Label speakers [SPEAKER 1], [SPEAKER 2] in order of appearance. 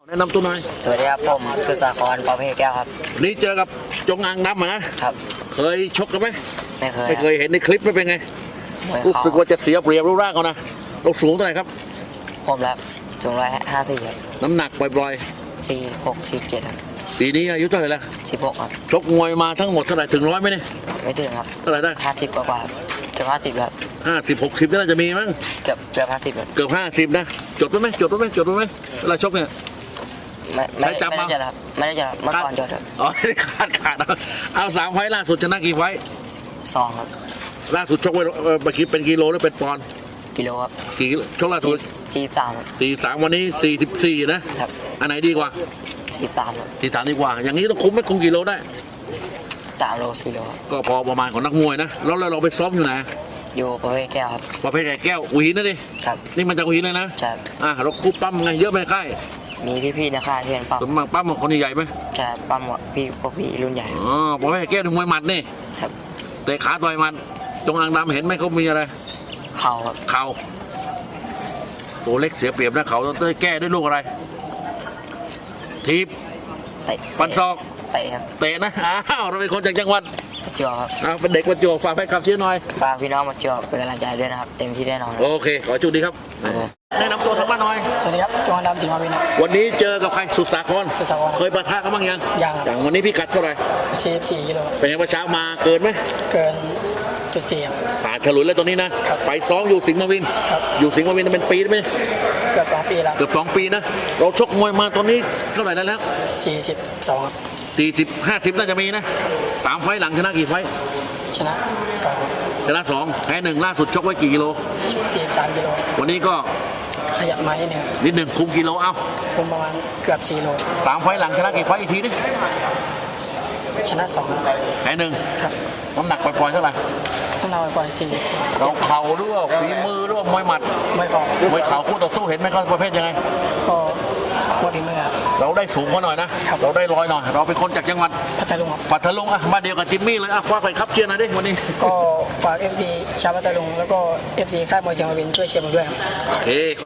[SPEAKER 1] แนะนำตัวหน่อย
[SPEAKER 2] สวัสดีครับผมสุสาครปอเพแก้วครับ
[SPEAKER 1] นี่เจอกับจงอางดำนะครับเคยชกกันไหม
[SPEAKER 2] ไม่เคย
[SPEAKER 1] เห็นในคลิปไม่เป็นไงรู้สึกว่าจะเสียเปรียบรูปร่างเขานะเราสูงเท่าไหร่ครับ
[SPEAKER 2] ผมแล้วสูง154ครับ
[SPEAKER 1] น้ำหนักปล่อย
[SPEAKER 2] 46 47ครับ
[SPEAKER 1] ปีนี้อายุเท่าไหร่แล้ว
[SPEAKER 2] 16ครับ
[SPEAKER 1] ชกมวยมาทั้งหมดเท่าไหร่ถึง100ไหมเนี่ย
[SPEAKER 2] ไม่ถึงครับ
[SPEAKER 1] เท่าไหร่ได้
[SPEAKER 2] 50กว่าจะ50แล้ว
[SPEAKER 1] 50 60น่าจะมีมั้ง
[SPEAKER 2] เกือบ50ครับ
[SPEAKER 1] เกือบ50นะจดไว้ไหมเวลาชกเนี่ย
[SPEAKER 2] ไม่ได้จดครับเมื่อก่อนจดครับ
[SPEAKER 1] อ๋อไม่ได้ขาดเอา3 ไฟล์ล่าสุดชนะกี่ไฟล์
[SPEAKER 2] 2ครับ
[SPEAKER 1] ล่าสุดชกไว้เมื่อกี้เป็นกิโลหรือเป็นปอนด์
[SPEAKER 2] กิโลครับ
[SPEAKER 1] กี่ชกล่าสุด43วันนี้44นะครับอันไหนดีกว่า
[SPEAKER 2] 43ครับ
[SPEAKER 1] 43ดีกว่าอย่างนี้ต้องคุมไหมคุมกี่โลได้
[SPEAKER 2] 3 โล 4 โล
[SPEAKER 1] ก็พอประมาณของนักมวยนะแล้วเราไปซ้อมอยู่ไหน
[SPEAKER 2] อยู่ประเภทแก้วครับ
[SPEAKER 1] ประเภทแก้วอุหินนะดิ
[SPEAKER 2] ครับ
[SPEAKER 1] นี่มันจากอุหินเลยนะ
[SPEAKER 2] ใช่
[SPEAKER 1] เราคุมปั้มไงเยอะไหมค่าย
[SPEAKER 2] มีพี่ๆนะค่ายเพื่อน
[SPEAKER 1] ปั้มปั้มคนใหญ่ไหม
[SPEAKER 2] ใช่ปั้มพวกพี่รุ่นใหญ่
[SPEAKER 1] ประเภทแก้วถึงมวยหมัดนี่
[SPEAKER 2] ครับ
[SPEAKER 1] เตะขาต่อยมันจงอางดำเห็นไหมเขามีอะไร
[SPEAKER 2] เข่าครับ
[SPEAKER 1] เข่าตัวเล็กเสียเปรียบนะเขาต้องแก้ด้วยลูกอะไรทีบฟันศอก
[SPEAKER 2] เตะครับ
[SPEAKER 1] เตะนะเราเป็นคนจากจังหวัด
[SPEAKER 2] ประจวบครับ
[SPEAKER 1] เป็นเด็กประจวบฝากให้ขับเชียร์หน่อย
[SPEAKER 2] ฝากพี่น้องประจวบเป็นกำลังใจด้วยนะครับเต็มที่แน่นอน
[SPEAKER 1] โอเคขอจุดดีครับแนะนำตัวทางบ้านหน่อย
[SPEAKER 3] สวัสดีครับจงอางดำสิงห์มาวินครับ
[SPEAKER 1] วันนี้เจอกับใครสุสาครเคยปะทะกันบ้างยัง
[SPEAKER 3] อย่าง
[SPEAKER 1] วันนี้พี่กัดเท่าไหร่
[SPEAKER 3] 44 กิโล
[SPEAKER 1] เป็นยังเช้ามาเกินไหม
[SPEAKER 3] เกินจุด 4ครับ
[SPEAKER 1] ผ่านฉลุยแล้วตัวนี้นะไปซ้อมอยู่สิงห์มาวินอยู่สิงห์มาวินเป็นปีไหม
[SPEAKER 3] เกือบ2 ปีแล้ว
[SPEAKER 1] เกือบ2 ปีนะเราชกมวยมาตอนนี้เท่าไหร่แล้ว
[SPEAKER 3] 42ครับ
[SPEAKER 1] 40 50น่าจะมีนะ3 ไฟล์หลังชนะกี่ไฟล์
[SPEAKER 3] ชนะ2
[SPEAKER 1] ชนะ2แพ้1ล่าสุดชกไว้กี่กิโล
[SPEAKER 3] 43 กิโล
[SPEAKER 1] วันนี้ก็
[SPEAKER 3] ขยับมา
[SPEAKER 1] นิดหนึ่งคุมกิโล
[SPEAKER 3] คุมประมาณเกือบ4 โล
[SPEAKER 1] 3 ไฟล์หลังชนะกี่ไฟล์อีกทีนี่
[SPEAKER 3] ชนะ2
[SPEAKER 1] แพ้1
[SPEAKER 3] ครับ
[SPEAKER 1] น้ำหนักปล่อยเท่าไหร่
[SPEAKER 3] ต้องเราปล่อย4
[SPEAKER 1] เราเข่าด้วยฝีมือด้วยมวยหมัด
[SPEAKER 3] มวย
[SPEAKER 1] เข่าคู่ต่อสู้เห็นไหมเขาประเภทยังไง
[SPEAKER 3] ก็หมดฝีมือ
[SPEAKER 1] เราได้สูงกว่าหน่อยนะเราได้ลอยหน่อยเราเป็นคนจากจังหวัด
[SPEAKER 3] พัทลุง
[SPEAKER 1] มาเดียวกับจิมมี่เลยคว้าไปครับเชียร์หน่อยดิวันนี้
[SPEAKER 3] ก็ฝาก FC ชาวพัทลุงแล้วก็ FC ค่ายมวยสิงห์มาวินช่วยเชียร์ผมด้วยครับ
[SPEAKER 1] โอเค